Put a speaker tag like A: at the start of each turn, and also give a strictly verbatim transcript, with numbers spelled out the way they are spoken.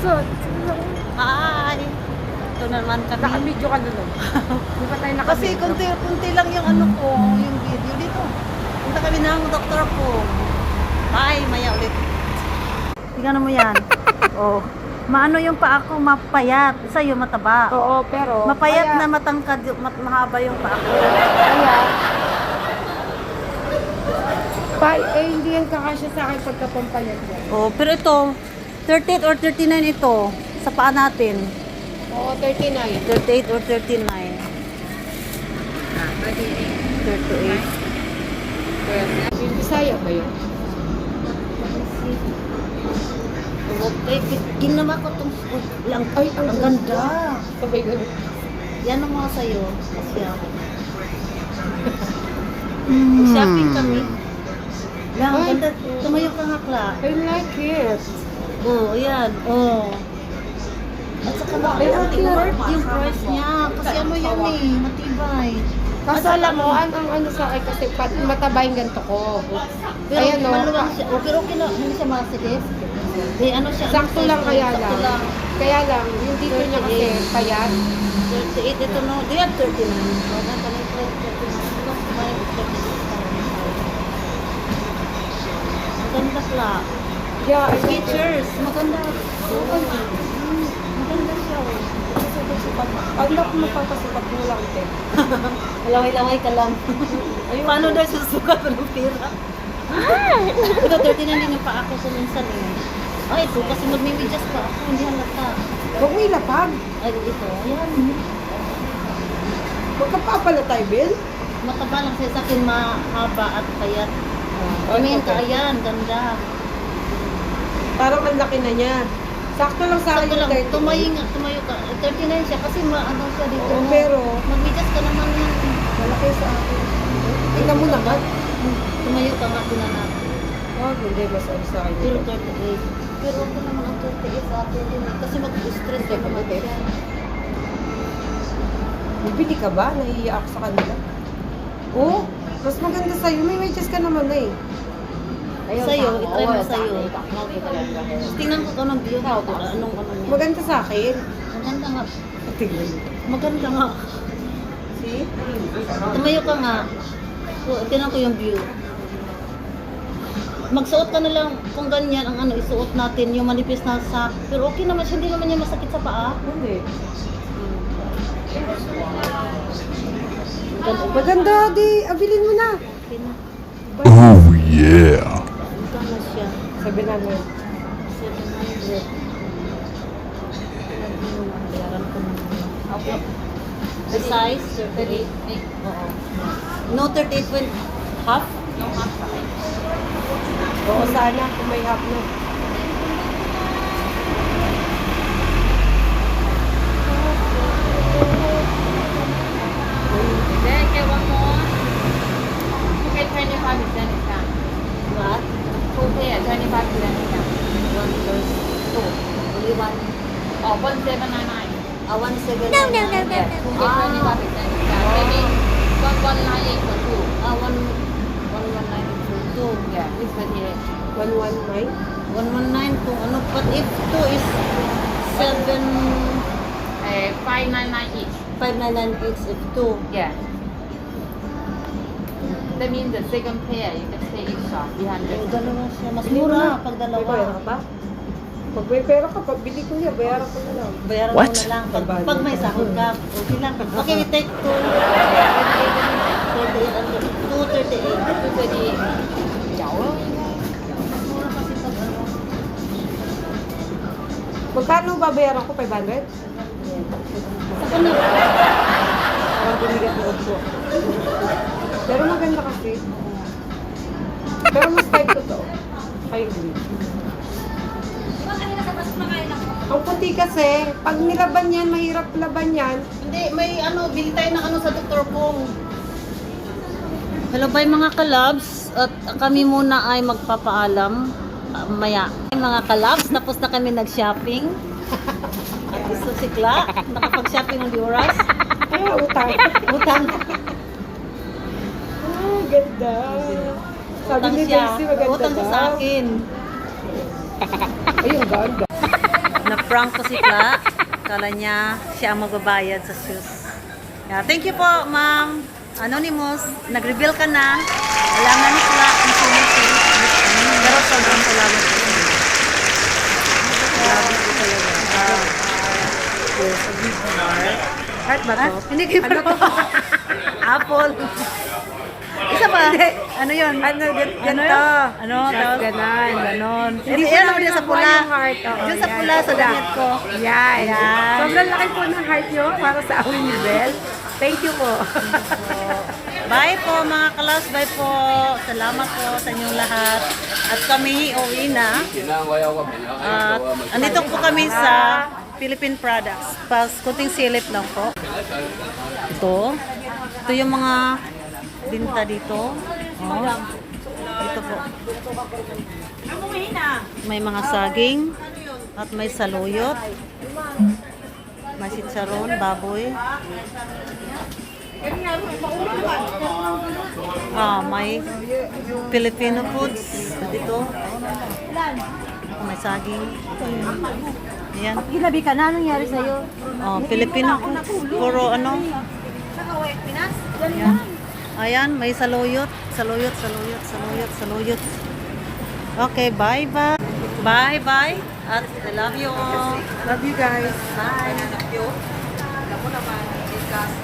A: So,
B: Hi! Ito naman kami.
A: naka-video ka na lang. Di ba tayo
B: Kasi
A: naka-video?
B: kunti, kunti lang yung ano ko, yung video dito. Punta kami ng doktor ko. Hi, maya ulit. Tingnan mo yan. Oh. Maano yung paa ko, mapayat. Sa'yo mataba.
A: Oo, pero...
B: Mapayat
A: kaya,
B: na matangkad, yung- mat mahaba yung paa ko.
A: Kaya... Pa, eh, hindi yan kakasya sa akin pagkapampayat yan.
B: Oh, pero ito, thirty-eight or thirty-nine ito sa paa natin.
A: Oo, thirty-nine.
B: thirty-eight or thirty-nine.
A: Ah, thirty-eight.
B: thirty-eight.
A: Yung Bisaya ba yun?
B: Okay, ginawa ko itong lang.
A: Ay,
B: Ang ganda.
A: Sabay gano'n.
B: Yan ang mga sa'yo. Kasi ako. Shopping kami. Lang, ang
A: Ay.
B: ganda. Tumayo ka nga, Kla.
A: I like it.
B: Oo, oh, ayan. Oo. Oh. At saka na,
A: Ay, ang cute.
B: worth yung price niya. Kasi ano yan eh, matibay.
A: Kaso alam mo, ang, ang ano sa akin kasi pat, mataba yung ganito ko.
B: Pero
A: Ayan, no?
B: maluwang siya. Oh, pero okay lang, hindi siya masikip. Eh, ano siya? ano
A: Sakto
B: size
A: lang
B: to?
A: kaya
B: Sakto
A: lang.
B: lang.
A: Kaya lang, yung dito niya kasi payat.
B: thirty-eight ito no. Do you have thirty-nine? Wala ka na yung thirty-nine. Ano? May thirty-six pa rin. Maganda pala.
A: Yeah, I like it.
B: Skechers. Maganda. Maganda. Hmm, Maganda siya.
A: Pag na kung magpapasukat mo lang, te.
B: Laway-laway ka lang. Paano daw susukat mo ng pera? Ito, thirty-nine din yung paa ko kuminsan eh. Ay, ito kasi magmimidyas pa ako. Hindi halata.
A: Huwag mo ilapag.
B: Ay, ito. Ayan.
A: Magkapapala tayo, Bill.
B: Mataba lang siya sa akin, mahaba at payat. Tumingin ka, ayan, ganda.
A: Parang ang laki na niya. Sakto lang sa akin
B: Sakto
A: yung
B: lang,
A: thirty.
B: tumayo nga, tumayo ka. thirty-nine siya kasi maano siya dito.
A: Oo,
B: no?
A: pero
B: Magmidyas ka naman yan.
A: malaki sa akin. Tingnan mo naman.
B: Tumayo ka nga, tinan natin.
A: Oh, hindi. Mas ano sa akin.
B: Pero
A: ito.
B: thirty-eight. Pero ako naman ang thirty-eight sa atin din eh. Kasi mag-stress ka naman siya.
A: Bibili ka ba? Naiiyak ako sa kanila. Oo. Mas maganda sa'yo. May medyas ka naman na eh.
B: Sa'yo, itry mo sa'yo. Tingnan ko anong view. Anong ano niya.
A: Maganda sa akin.
B: Maganda nga.
A: Tingnan mo.
B: Maganda nga.
A: See?
B: Tumayo ka nga. So, tingnan ko yung view. Magsuot ka na lang kung ganyan ang ano, isuot natin yung manipis na sa... Pero okay naman siya, hindi naman niya masakit sa paa.
A: Hindi.
B: Maganda.
A: Maganda, di. Abilin mo na.
B: Okay na.
C: Oh yeah.
B: Magkano siya?
A: Sabi namin.
B: seven hundred. Bayaran ko na. Okay. The size, thirty-eight. Oo. No, thirty-eight point half? No, half pa kayo.
A: Oo, sana. Kung may half na.
D: Then get one more. You get twenty-five percent discount.
B: What?
D: Two pair, twenty-five percent discount.
B: One plus two. Only one.
D: Oh, one seven nine nine.
B: Ah, one seven. No, no, no,
D: Yeah, two get twenty-five percent discount. Maybe one one nine eight for two.
B: Ah, one, one one nine for two.
D: Yeah, it's thirty-eight.
A: one one nine.
B: One one nine kung ano. But if two is seven,
D: Uh, five nine nine each.
B: five nine nine eight if two.
D: Yeah. That means the second pair you can stay each shop three hundred.
B: Yung dalawa siya. Mas mura pag
A: May bayaran
B: dalawa.
A: ka ba? Pag may pera ka, pag bili ko niya, bayaran ko na lang.
B: Bayaran mo
C: What?
B: na lang. Pag, pag may sahod ka, okay lang. Okay, we take two. thirty-eight and two thirty-eight.
D: Two thirty-eight.
B: Mas mura kasi pag ano.
A: Magkano babayaran ko? five hundred?
B: Saka na.
A: Parang bumigat na ko. Pero maganda kasi. Pero mas type ko to. Kayo green. Ang puti kasi, pag nilaban yan, mahirap laban yan.
B: Hindi, may ano, bili tayo ng ano sa Doktor Pong. Hello bye mga kalabs. At kami muna ay magpapaalam. uh, maya. Mga kalabs, tapos na kami nag-shopping. At gusto si Kla, nakapag-shopping ng di oras.
A: Kaya utang.
B: Utang.
A: Ah, ganda. Sabi
B: Utang
A: ni
B: siya.
A: Daisy, maganda
B: Utang siya sa
A: daw.
B: akin.
A: Ayun, ganda.
B: Na-prank ko si Kla. Kala niya siya ang magbabayad sa shoes. Yeah, thank you po, ma'am. Anonymous, nag-reveal ka na. Wala nga ni Kla kung sino si. Pero sobrang salamat po. Grabe po talaga. Ah, yes, a big heart. Heart ba to? Hindi kayo ano to? Apple. Isa pa? Ano yun?
A: Ano, gan-
B: Ano
A: ganito.
B: yun? Ano?
A: Tapos
B: Tapos,
A: ganon.
B: ganon.
A: Hindi
B: Hindi,
A: ko
B: yan
A: na
B: ako din sa
A: nakuha
B: pula.
A: yung heart. Oo,
B: Diyan sa
A: yan.
B: pula, sa damit ko.
A: Yan.
B: Yan.
A: Sobrang laki po ng heart nyo para sa amin ni Bel. Thank you po.
B: Bye po mga kalas, bye po. Salamat po sa inyong lahat. At kami uwi na. At andito po kami sa Philippine Products. Pas kunting silip lang po. Ito. Ito yung mga binta dito. Oh. Ito po. May mga saging at may saluyot. May sitsaron, baboy. Ah, may Filipino foods dito. May saging. Ayan.
A: Ginabi ka na, anong nangyari sa'yo?
B: Oh, Filipino foods. Puro ano. Ayan. Ayan, may saluyot. Saluyot, saluyot, saluyot, saluyot. Okay, bye bye. Bye bye. At I love you all.
A: Love you guys.
B: Bye. Love you. Alam mo naman,